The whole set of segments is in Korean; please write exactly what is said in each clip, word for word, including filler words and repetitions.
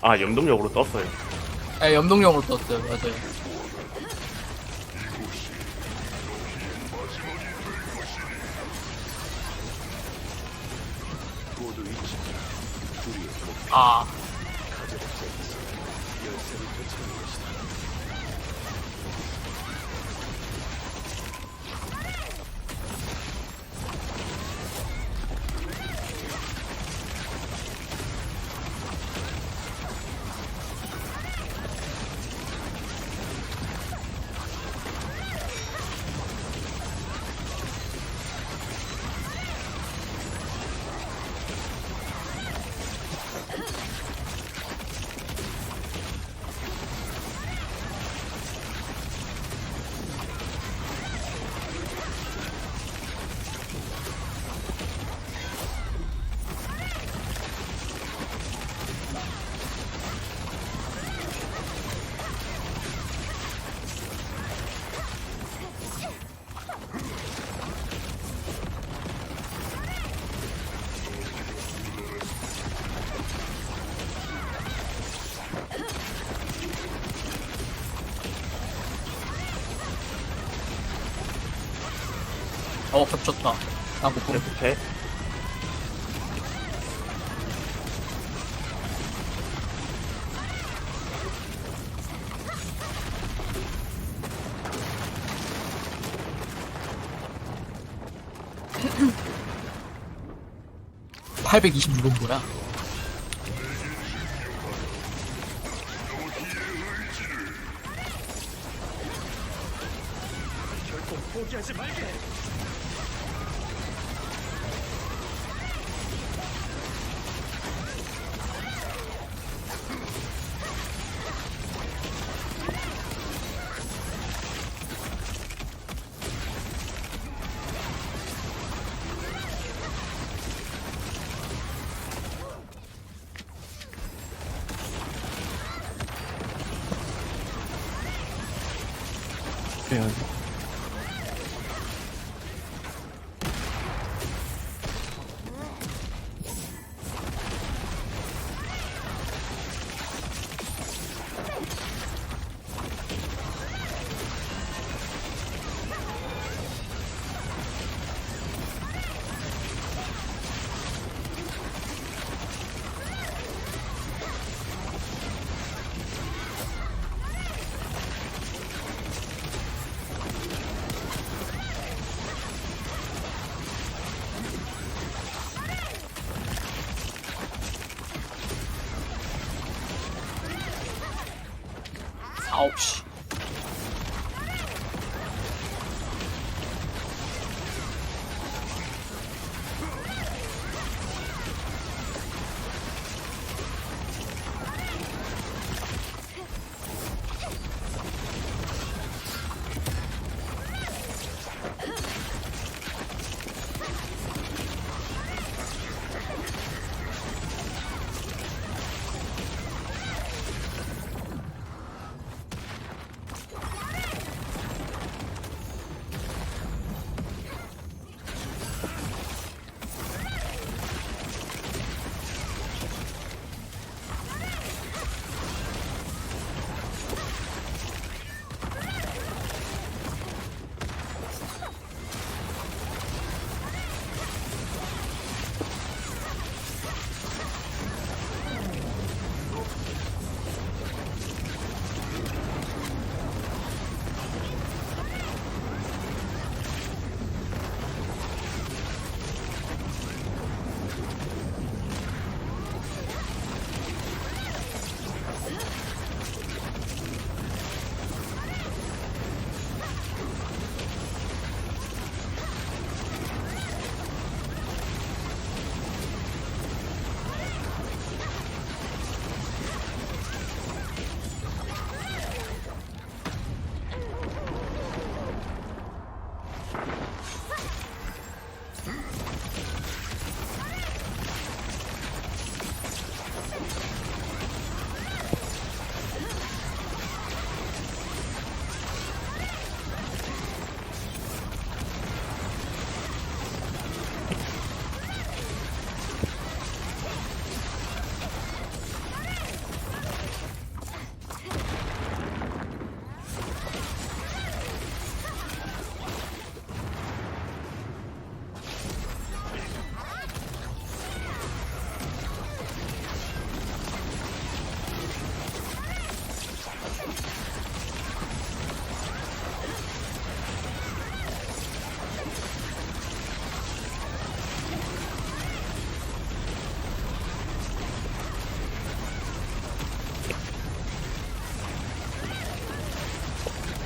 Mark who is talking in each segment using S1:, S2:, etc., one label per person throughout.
S1: 아, 염동력으로 떴어요.
S2: 예, 염동력으로 떴어요. 맞아요. 아. 어, 겹쳤다. 나 못 보네.
S1: 이렇게.
S2: 팔백이십육 원 뭐야?
S1: 해야지.
S2: 아홉 시.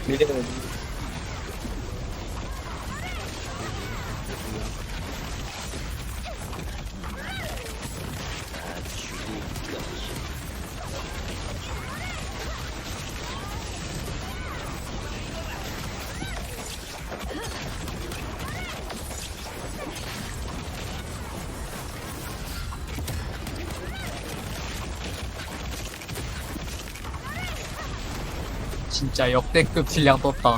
S3: 밀리면
S2: 진짜 역대급 딜량 떴다.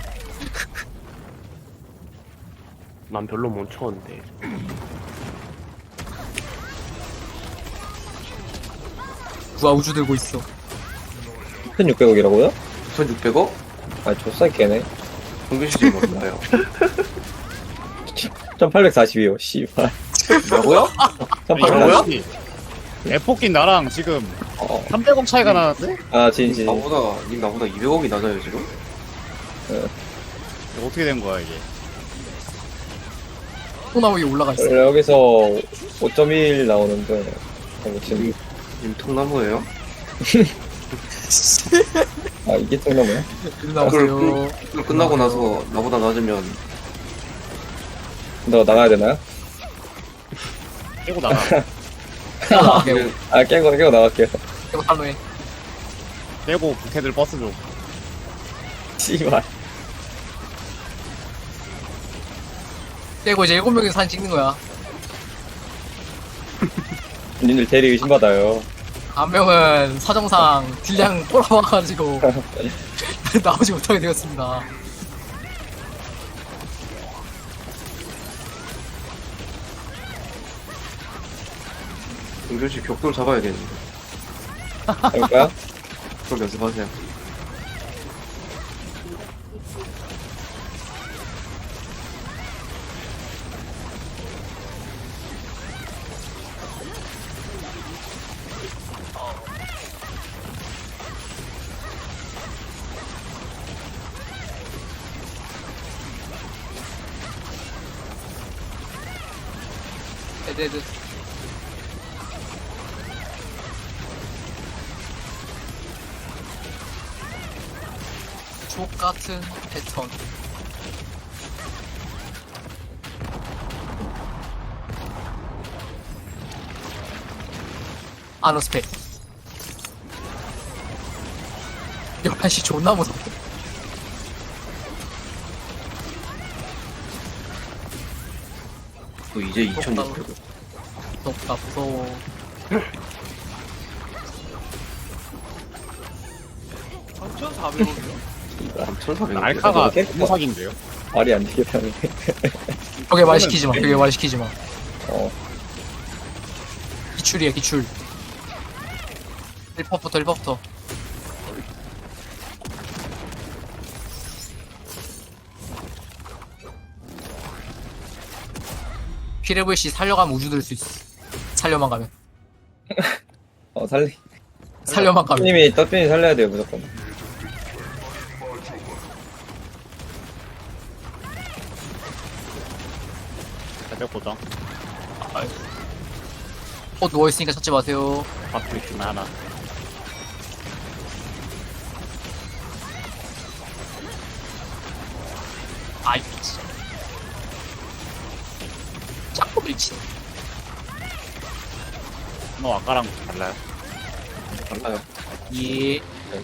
S1: 난 별로 못 쳤는데.
S2: 누가 우주 들고 있어.
S3: 천육백억이라고요?
S4: 천육백억?
S3: 아, 조싸 깨네.
S4: 평균 시즌 얼마요?
S3: 천팔백사십이요, 씨발.
S4: 뭐라고요?
S3: 천팔백사십.
S5: 에포킨 나랑 지금
S3: 어.
S5: 삼백억 차이가 나는데?
S3: 아, 진진.
S4: 나보다 님 나보다 이백억이 낮아요 지금?
S5: 이거 어떻게 된 거야 이게?
S2: 콩나무에 올라가 있어.
S3: 원래 여기서 오 점 일 나오는데, 어, 지금.
S4: 님 통나무예요?
S3: 아, 이게 통나무야?
S2: 이리 나오세요.
S4: 그걸 끝나고 나서 나보다 낮으면
S3: 너 나가야 되나요?
S5: 깨고 나가.
S2: 아, 깨고,
S3: 아, 깨고, 깨고 나갈게요.
S2: 깨고 탈로해.
S5: 깨고 걔들 버스 줘.
S3: 씨발.
S2: 깨고 이제 일곱 명이서 사진 찍는 거야.
S3: 님들 대리 의심받아요.
S2: 한 명은 사정상 딜량 꼬라박아가지고 나오지 못하게 되었습니다.
S4: 동준씨 벽돌 잡아야겠는데
S3: 해볼까요?
S4: 그럼 연습하세요.
S2: 에드에드. 족같은 패턴. 아노스펙. 열한 시 존나 무섭다.
S4: 그 이제 이천육백억.
S2: 무섭다, 무서워.
S4: 삼천사백억.
S5: 알카가
S3: 깨-
S5: 너무 사기인데요?
S3: 말이 안 되겠다네.
S2: 벽에 말 시키지 마, 벽에 말 시키지 마.
S3: 어.
S2: 기출이야, 기출. 일 퍼부터, 일 퍼부터. 피레브씨 살려가면 우주 들 수 있어. 살려만 가면.
S3: 어, 살리.
S2: 살려만 가면.
S3: 님이 떡빈이 살려야 돼요, 무조건.
S5: 대백 고정.
S2: 어, 누워있으니까 찾지 마세요.
S5: 박수 있긴 하나.
S2: 아이, 진짜. 자꾸 밀치.
S5: 너 아까랑 달라요?
S4: 달라요.
S2: 예.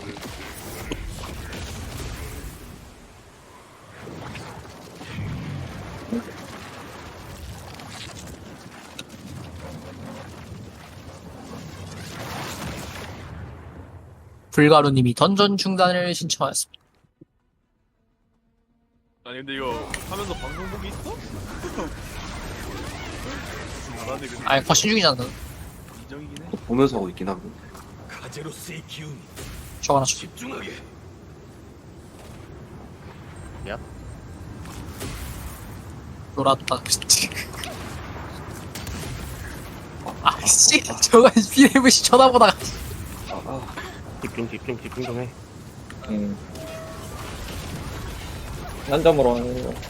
S2: 불가루님이 던전 중단을 신청하였습니다.
S1: 아니 근데 이거 하면서 방송국이 있어? 잘하네 근데
S2: 아이, 과신 중이잖아.
S1: 인정이긴 해.
S4: 보면서 하고 있긴 하고.
S1: 가제로스의 기운이
S2: 저거 하나 줘.
S1: 집중하게.
S2: 놀았다. 아씨, 저거 피레브씨 쳐다보다가.
S4: 아, 아.
S1: 집중 집중 집중 좀 해.
S3: 음. 한 점으로 하는 거.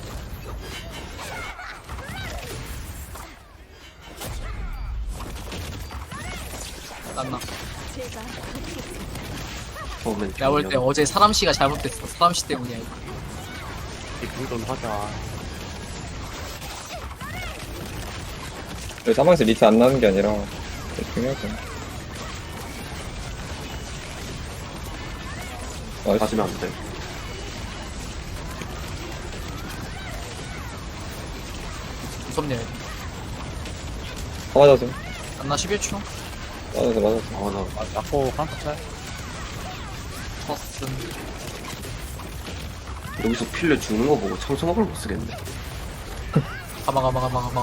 S2: 났나?
S4: 처음엔
S2: 내가 볼 때 어제 사람씨가 잘못됐어. 사람씨 때문이야. 이거.
S1: 집중 좀 하자.
S3: 왜 사방에서 리트 안 나는 게 아니라 중요하죠. 아,
S4: 맞으면 안 돼.
S2: 무섭네요.
S3: 다 맞아서
S2: 안나 십일 초.
S3: 맞아서 맞아서.
S4: 아, 나
S5: 아, 맞고 깜짝 차요.
S2: 버슨.
S4: 여기서 필레 죽는 거 보고 청소막을 못 쓰겠네.
S2: 가마 가마 가마 가마.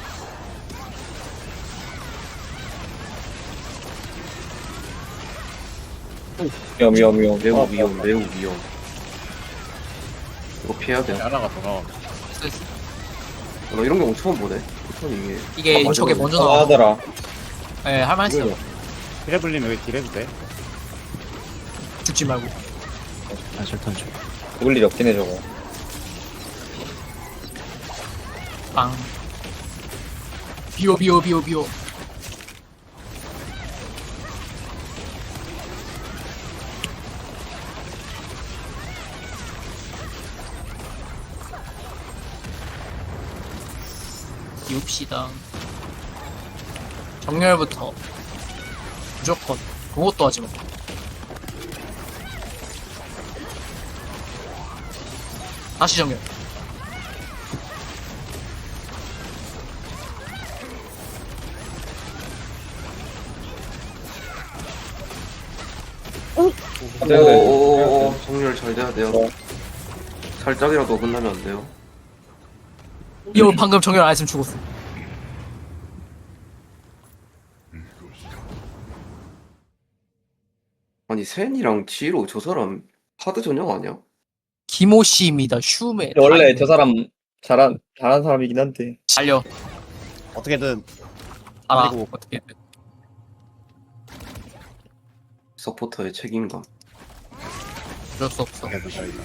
S3: 위험 위험 위험.
S4: 매우
S3: 아,
S4: 위험, 매우 위험. 이거 피해야 돼.
S5: 하나가 돌아와.
S2: 됐어.
S4: 나 이런 경우 처음 보네. 보통 이게.
S2: 이게
S4: 아,
S2: 저게
S4: 맞아,
S2: 먼저
S3: 아,
S2: 나와.
S3: 하더라.
S2: 예, 할만했어요.
S5: 피레블린 여기 딜해도 돼?
S2: 죽지 말고.
S5: 아, 절단 줘.
S3: 죽을 일이 없긴 해 저거.
S2: 빵. 비오 비오 비오 비오. 비웁시다. 정렬부터 무조건 그것도 하지 마. 다시 정렬.
S3: 안 돼요, 네.
S4: 오오오오, 정렬 잘 돼야 돼요.
S3: 어.
S4: 살짝이라도 끝나면 안 돼요.
S2: 이거 방금 정렬 안 했으면 죽었어.
S4: 아니, 센이랑 지로 저 사람 하드 전형 아니야?
S2: 김호씨입니다. 슈메.
S3: 원래 저 사람 잘한 잘한 사람이긴 한데.
S2: 달려.
S5: 어떻게든
S2: 알아.
S5: 그리고-
S2: 어떻게.
S4: 서포터의 책임감.
S2: 어쩔 수 없어.
S5: 해도 저희가.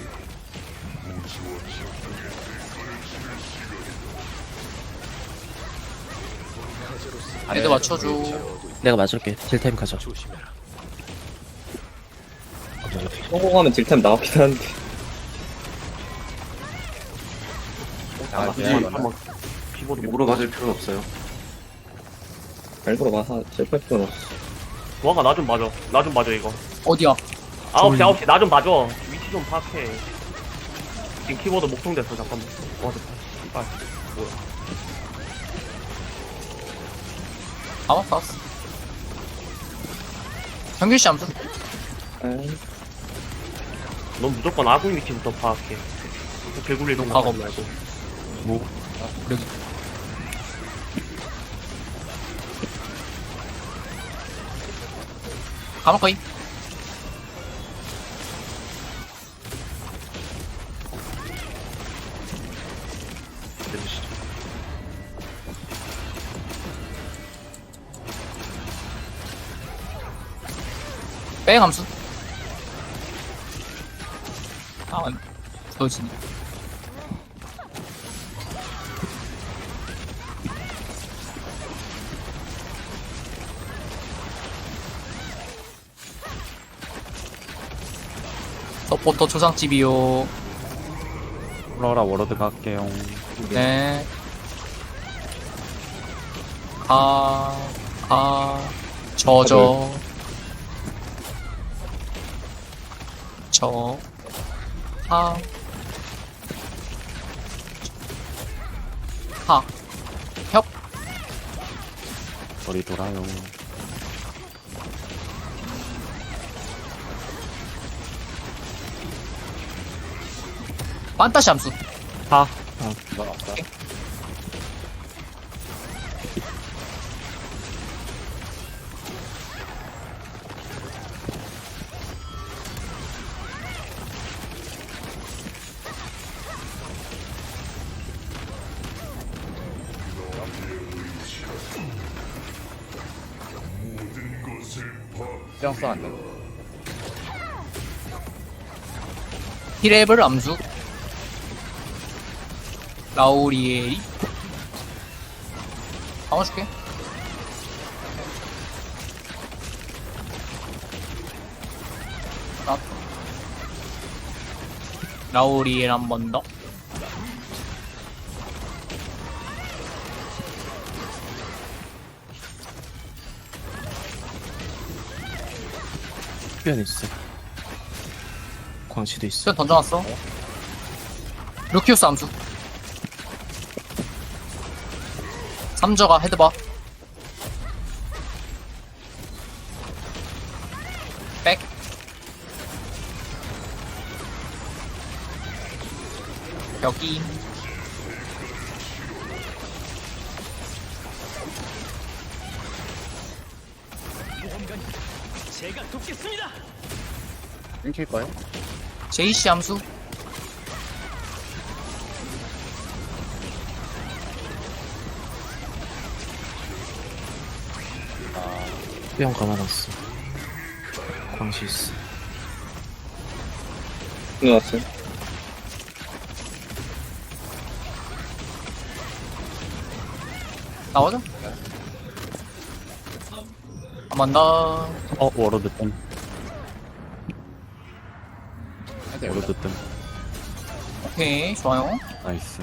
S2: 헤드 맞춰줘.
S6: 내가 맞을게. 딜타임 가자.
S3: 성공하면 딜템 나오긴 하는데.
S5: 아,
S1: 굳이
S5: 미안하다.
S1: 한번 키보드 못
S4: 목으로 맞을 필요는 없어요.
S3: 알고로 마사 실패 필요는 없어.
S1: 도화가 나 좀 맞아. 나 좀 맞아 이거.
S2: 어디야?
S1: 아홉 시 아홉 시 나 좀 맞아. 위치 좀 파악해. 지금 키보드 목통됐어 잠깐만. 와 됐다. 아 뭐야.
S2: 아, 왔어, 왔어. 정규씨 암수.
S3: 에이,
S1: 넌 무조건 아군 위치부터 파악해. 개굴리 동
S2: 과거.
S1: 말고.
S2: 뭐, 여기. 가만거이. 뺑 함수. 아, 부서지네. 서포터 초상집이요.
S5: 플로라 워러드 갈게요.
S2: 네. 가, 가, 저저. 저, 하, 하, 협,
S5: 머리 돌아요.
S2: 판타시 함수.
S5: 하. 아, 나 없다. 시장 써안 돼.
S2: 히레블 암수. 라우리에리. 감아줄게. 나 라우리엘 한 번 더.
S6: 수변 있어. 광시도 있어.
S2: 수연 던져놨어. 루키우스 암수. 삼저가 헤드바. 백. 여기.
S5: 끊길 거예요?
S2: 제이씨 암수.
S6: 수변 감아놨어. 광시 있어.
S3: 끊어놨어요.
S2: 나오죠? 한 번 더.
S5: 어, 워로드 뜸. 워로드 뜸.
S2: 오케이, 좋아요.
S5: 나이스.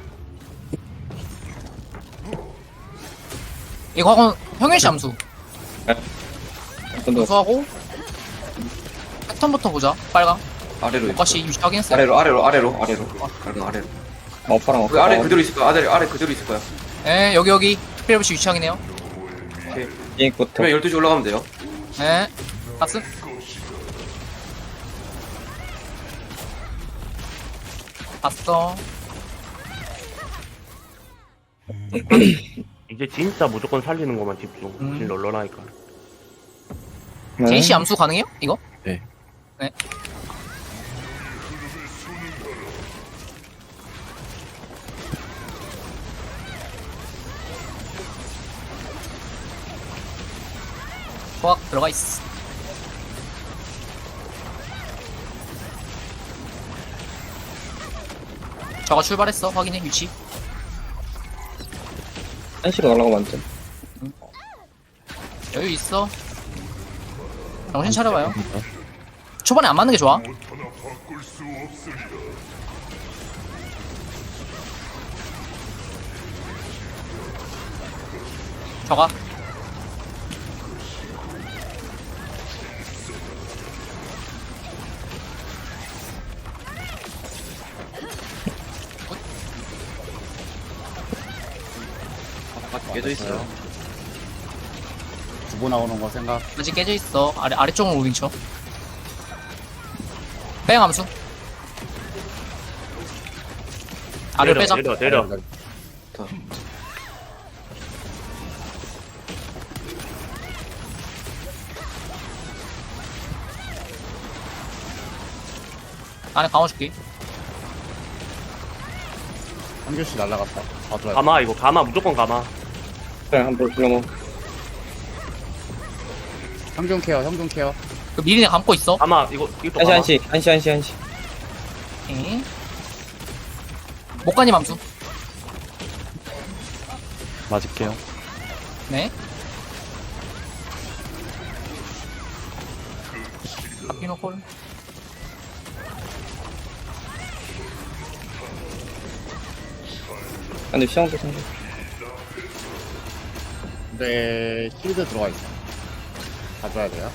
S2: 이거 하고 형일씨 암수.
S3: 한번 더.
S2: 암수하고 패턴부터 보자. 빨강.
S4: 아래로 있어.
S2: 오까시 유지 확인했어요.
S4: 아래로 아래로 아래로 아래로. 아래로 아래로.
S3: 마파랑
S4: 그 아래 그대로 있을 거야. 아래 아래 그대로 있을 거야.
S2: 네, 여기 여기 스피드부시 위치 확인해요.
S3: 비행부터.
S4: 그러면 열두 시 올라가면 돼요.
S2: 네. 파스. 봤어.
S1: 이제 진짜 무조건 살리는 것만 집중.
S2: 음.
S1: 질 널널하니까.
S3: 네.
S2: 제이씨 암수 가능해요? 이거?
S6: 네.
S2: 네. 호박 들어가 있어. 저거 출발했어. 확인해 위치.
S3: 한시로 날아가면 안 돼.
S2: 여유 있어. 정신 차려봐요. 초반에 안 맞는 게 좋아. 저가.
S4: 깨져 있어요.
S5: 두부 나오는 거 생각.
S2: 아직 깨져 있어. 아래 아래쪽으로 무빙 쳐. 뺑 함수. 아래로 빼자.
S1: 내려 내려.
S4: 자.
S2: 안에 감아줄게.
S5: 한 교씩 날라갔다. 봐줘야 돼.
S1: 가마 이거 가마 무조건 가마.
S3: 그냥 한번 불러먹.
S5: 형종 케어, 형종 케어.
S2: 그 미리네 감고 있어.
S1: 가마 이거 이것도
S3: 한시
S1: 가마.
S3: 한시 한시 한시 한시.
S2: 오케이. 목가님 함수.
S5: 맞을게요.
S2: 네. 바뀌노 콜.
S3: 근데 시장도 상대.
S5: 근데 실드 들어가 있어. 봐줘야 돼요.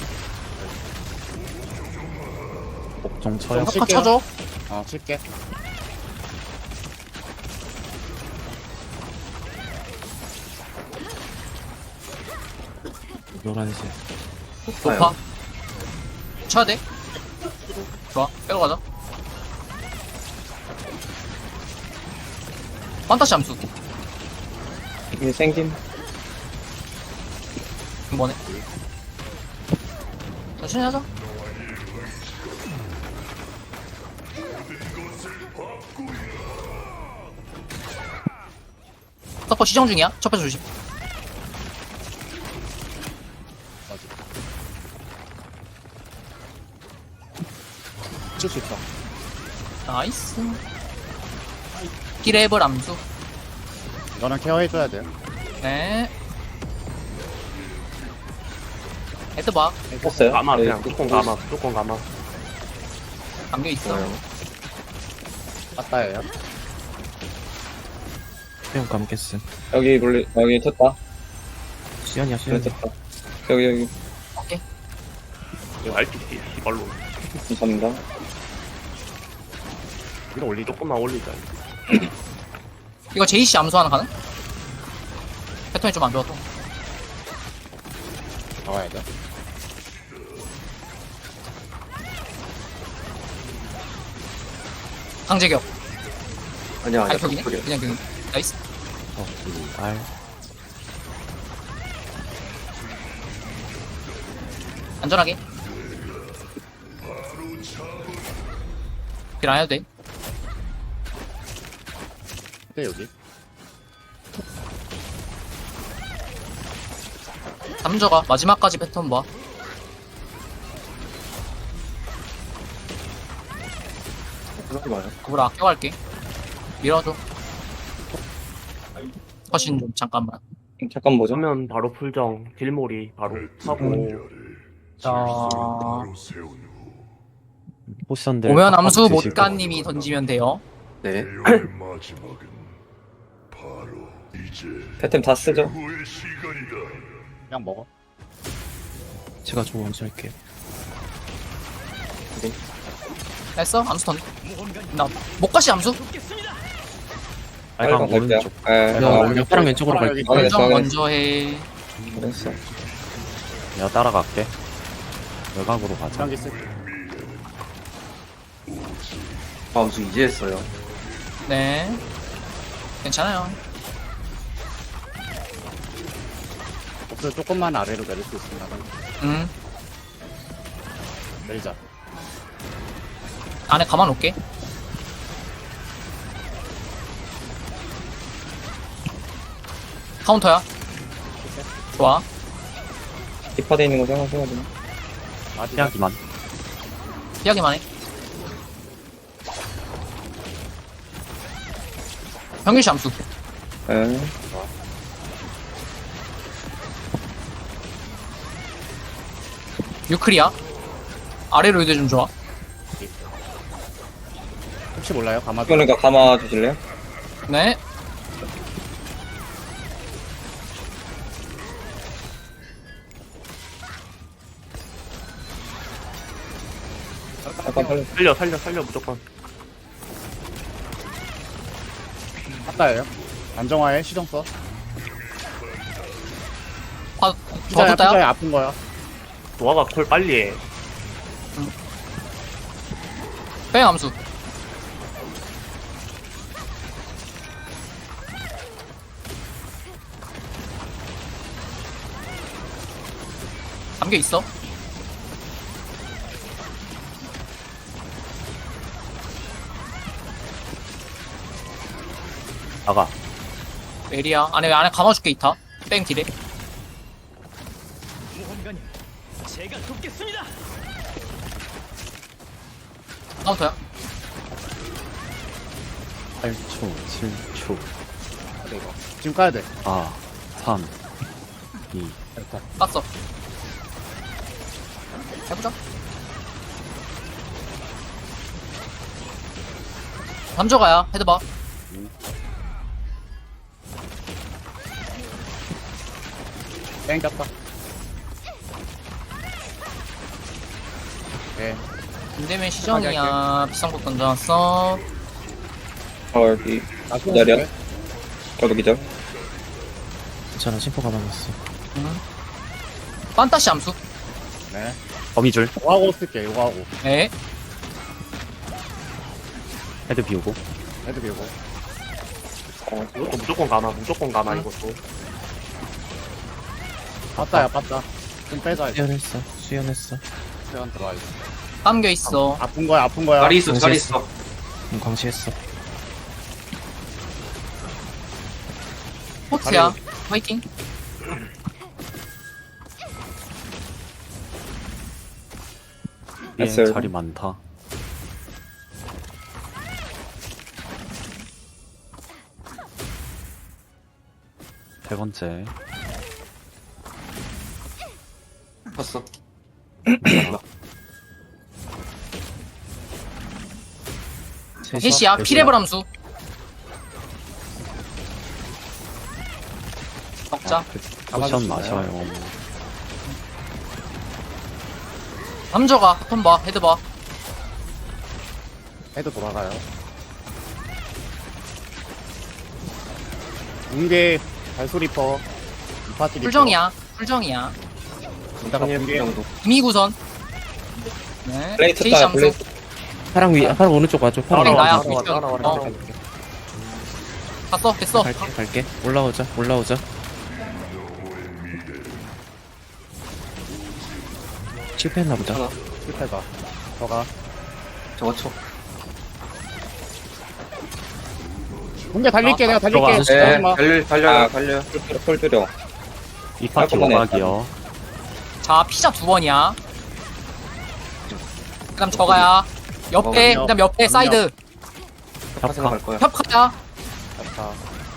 S5: 목종 쳐요.
S2: 협파 쳐줘.
S5: 어, 칠게.
S6: 노란색.
S2: 높아. 쳐야 돼. 좋아. 빼고 가자. 판타시 함수.
S3: 이게 생김.
S2: 이번에. 천천히 하자. 서퍼 시정 중이야. 첫 번째 조심.
S5: 칠 수 있어.
S2: 나이스. 기레벌 암수.
S5: 이거는 케어해줘야 돼요.
S2: 네. 헤드 봐.
S3: 했어요?
S1: 가마,
S3: 네,
S1: 그냥 무조건 가마, 무조건 가마.
S2: 감겨 있어.
S5: 맞다예요.
S6: 수영 감겠음.
S3: 여기 물리 여기 쳤다.
S6: 수연이야,
S3: 그래
S6: 수연이.
S3: 쳤다. 여기 여기
S1: 이거 알피씨, 씨발로.
S3: 감사합니다.
S5: 위로 올리죠.
S1: 조금만 올리자.
S2: 이거 제이씨 암수 하나 가능? 패턴이 좀 안 좋아서.
S5: 나와야 돼.
S2: 강제격.
S4: 아니야 아니야
S2: 아니 격이네?
S4: 그래.
S2: 그냥 격. 나이스.
S6: 어, 알.
S2: 안전하게. 딜 안 해도 돼.
S5: 근데 여기.
S2: 삼저가 마지막까지 패턴 봐.
S4: 그러지 마요.
S2: 그걸 아껴갈게. 밀어줘. 허신 좀 잠깐만.
S3: 잠깐 보죠.
S1: 그러면 바로 풀정, 딜몰이 바로 하고.
S2: 자,
S6: 포션들.
S2: 오면
S6: 팍팍
S2: 암수
S6: 드시고.
S2: 못간님이 던지면 돼요.
S4: 네.
S3: 패템 다 쓰죠.
S5: 그냥 먹어.
S6: 제가 좀 먼저 할게요.
S2: 했어? 암수 던. 나 못가시 암수?
S6: 빨강
S3: 빨강 갈게요.
S6: 오른쪽.
S3: 예.
S6: 내가
S3: 아,
S6: 오른쪽 파랑 왼쪽으로
S5: 파랑
S6: 갈게.
S5: 여기.
S3: 확인했어,
S2: 결정
S3: 확인했어.
S2: 먼저 해.
S3: 그랬어.
S6: 내가 따라갈게. 외곽으로 가자.
S5: 장기 쓸게.
S4: 다음수 이제 했어요.
S2: 네. 괜찮아요.
S5: 복수 조금만 아래로 내릴 수 있습니다.
S2: 음.
S5: 내리자.
S2: 안에 가만 놓게. 카운터야. 좋아.
S3: 힙화돼 있는 거 생각해야 돼.
S5: 아직
S6: 피하기만.
S2: 피하기만 해. 평균시 암수.
S3: 예.
S2: 유클이야. 아래로 이대 좀 좋아.
S5: 혹시 몰라요? 가마도.
S3: 그러니까 감아 주실래요?
S2: 네.
S3: 잠깐 살려.
S1: 살려, 살려, 살려, 무조건.
S5: 맞다예요. 안정화에 시정 써.
S2: 화,
S5: 피자야,
S2: 저도 따야?
S5: 피자야 아픈 거야.
S1: 도화가 콜 빨리 해.
S2: 뺑 암수. 담겨 있어.
S6: 나가.
S2: 에리야. 안에 안에 감아줄게 이타. 뺑 딜에. 카운터야.
S6: 팔 초, 칠 초,
S5: 그래 이거. 지금 까야 돼.
S6: 사, 삼, 이.
S5: 일단.
S2: 땄어. 해보자. 삼조가야. 헤드 봐.
S5: 땡 꼈다. 오케이.
S2: 김대면 시전이야. 비싼 곳 던져놨어.
S3: 어 여기
S5: 나
S3: 기다려. 저도 기절.
S6: 괜찮아, 심포 가만있어.
S2: 응. 판타시 암수.
S5: 네.
S6: 거미줄.
S5: 이거 하고 쓸게. 이거 하고.
S2: 네.
S6: 헤드 비우고.
S5: 헤드 비우고.
S1: 이것도 무조건 가마, 무조건 가마, 이것도.
S5: 빠따야 빠따. 좀 빼자. 이제.
S6: 수연했어, 수연했어.
S5: 시간 들어와 있어.
S2: 감겨 있어.
S5: 아픈 거야 아픈 거야.
S4: 다리 있어 다리 있어.
S6: 응, 광시했어.
S2: 포트야. 화이팅.
S6: 위에
S3: 했어요.
S6: 자리 많다. 세 번째.
S4: 봤어.
S2: 셋이야 피레블 함수 먹자.
S6: 포션 마셔요.
S2: 남저가 턴 봐, 헤드 봐.
S5: 해도 돌아가요. 붕괴, 발소리퍼, 이파티 리퍼.
S2: 풀정이야, 풀정이야.
S5: 이따가 붕괴.
S4: 정도.
S2: 이미구선. 네.
S3: 플레이트
S2: 제이시
S3: 따
S2: 함수.
S3: 플레이트.
S6: 파랑 위, 파랑 오른쪽 와줘. 파랑
S2: 그래, 나야.
S6: 오른쪽.
S1: 따라와, 따라와, 따라와.
S2: 어. 갔어, 됐어.
S6: 갈게, 갈게. 올라오자, 올라오자. 실패했나 보다.
S4: 하나.
S5: 실패가. 저가.
S4: 저거 쳐.
S5: 붕괴 달릴게,
S2: 아,
S5: 내가 달릴게.
S6: 들어가.
S4: 네,
S5: 잠깐만.
S4: 달려, 달려,
S3: 아.
S4: 달려.
S3: 폴 폴 줄여.
S6: 이 파티
S3: 깔끔하네.
S6: 오막이요.
S2: 자, 피자 두 번이야. 그 다음 저가야. 옆에,
S5: 어,
S2: 그 다음 옆에
S5: 압력.
S2: 사이드.
S4: 협화 생각할 거야.
S2: 협카야.
S5: 자.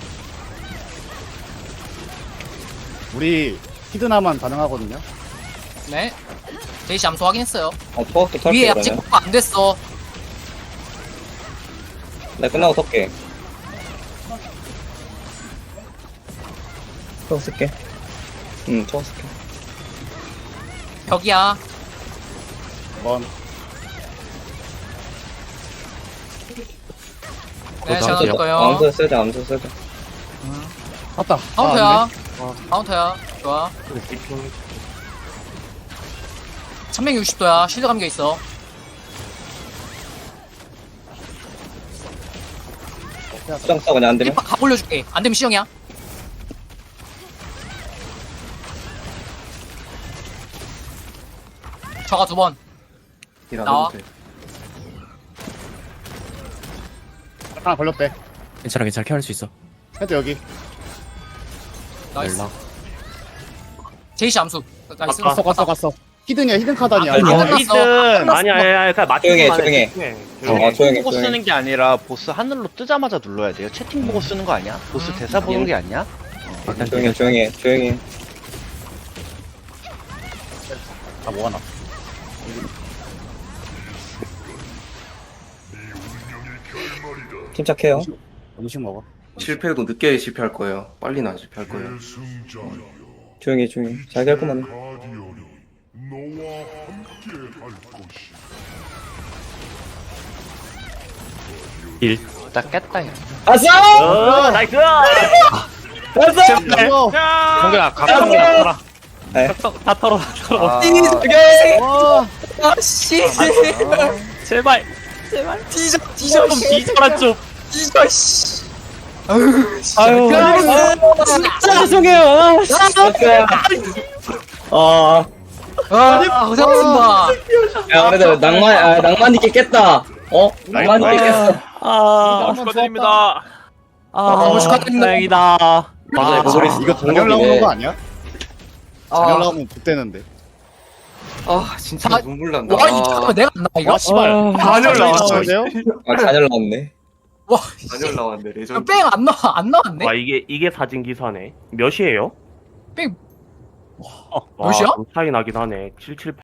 S5: 우리 히드나만 가능하거든요.
S2: 네. 제이시 함수 확인했어요.
S3: 아 토어도 털게
S2: 위에 아직
S3: 그러면.
S2: 폭파 안 됐어.
S3: 나 끝나고 털게. 토어 쓸게. 응 토어 쓸게.
S2: 벽이야.
S5: 한번.
S2: 네,
S6: 어,
S2: 제가
S6: 나오세요.
S2: 넣을 거예요.
S3: 암수 쓰자 암수 쓰자.
S5: 갔다.
S2: 카운터야.
S5: 아,
S2: 카운터야. 좋아. 삼백육십 도야. 실드 감겨 있어.
S3: 수정 써 그냥 안 되면.
S2: 일박 가 올려줄게. 안 되면 시정이야. 저가 두 번.
S4: 딜안
S2: 나와.
S4: 해도 돼.
S5: 하나 걸렸대.
S6: 괜찮아, 괜찮아. 케어할 수 있어.
S5: 헤드 여기.
S2: 나이스.
S6: 연락.
S2: 제이시 암수. 나이스.
S1: 아까.
S5: 갔어, 갔어, 갔어. 히든이야, 히든 카드 아니야.
S2: 아,
S5: 이거.
S2: 끝났어.
S7: 히든
S2: 끝났어.
S1: 아니야, 아니야, 아니야. 그냥
S3: 조용히 해,
S1: 맞추기만
S3: 조용히 해.
S1: 조용히 해.
S3: 어,
S1: 조용히 해.
S3: 조용히
S7: 보고
S3: 조용히.
S7: 쓰는 게 아니라 보스 하늘로 뜨자마자 눌러야 돼요. 채팅 보고 쓰는 거 아니야? 보스 대사 보는 게 아니야?
S6: 일단
S3: 조용히 해, 조용히 해, 조용히 해.
S5: 다 모아놔.
S3: 침착해요.
S5: 음식 먹어.
S4: 실패해도 늦게 실패할 거예요. 빨리나 실패할 거예요.
S3: 조용히 해, 조용히 해. 자기 할 것만 해.
S6: 일.
S7: 딱 깼다 야.
S3: 아싸!
S1: 어, 나이스!
S3: 아싸!
S5: 이거.
S7: 성규야 각성 털어.
S3: 네.
S1: 다 털어, 다 털어.
S4: 아,
S2: 아씨.
S6: 제발.
S2: 뒤져, 뒤져, 씨.
S6: 뒤져라 좀.
S2: 뒤져, 씨.
S3: 아유,
S2: 진짜
S3: 죄송해요. 아,
S2: 아, 고생하셨습니다.
S3: 야, 그래도 낭만, 아, 낭만 있게 깼다. 어? 낭만 있게 깼어.
S6: 아,
S5: 축하드립니다.
S6: 아,
S2: 너무 축하드립니다.
S6: 다행이다.
S3: 아,
S5: 이거 단열 나오는 거 아니야? 단열
S2: 아,
S5: 나오면 붙대는데.
S4: 아, 진짜
S2: 아,
S4: 눈물 난다.
S2: 와, 이 잠깐만 내가 안 나와 이거?
S5: 와, 씨발.
S4: 단열 나왔어.
S5: 나오는데요?
S3: 아, 잔열 나왔네.
S2: 와,
S4: 단열 나왔네, 레전드.
S2: 뺑안 나와, 안 나왔네.
S1: 와, 이게, 이게 사진 기사네. 몇이에요?
S2: 뺑
S1: 와,
S2: 몇이야?
S1: 좀 차이 나긴 하네. 칠십칠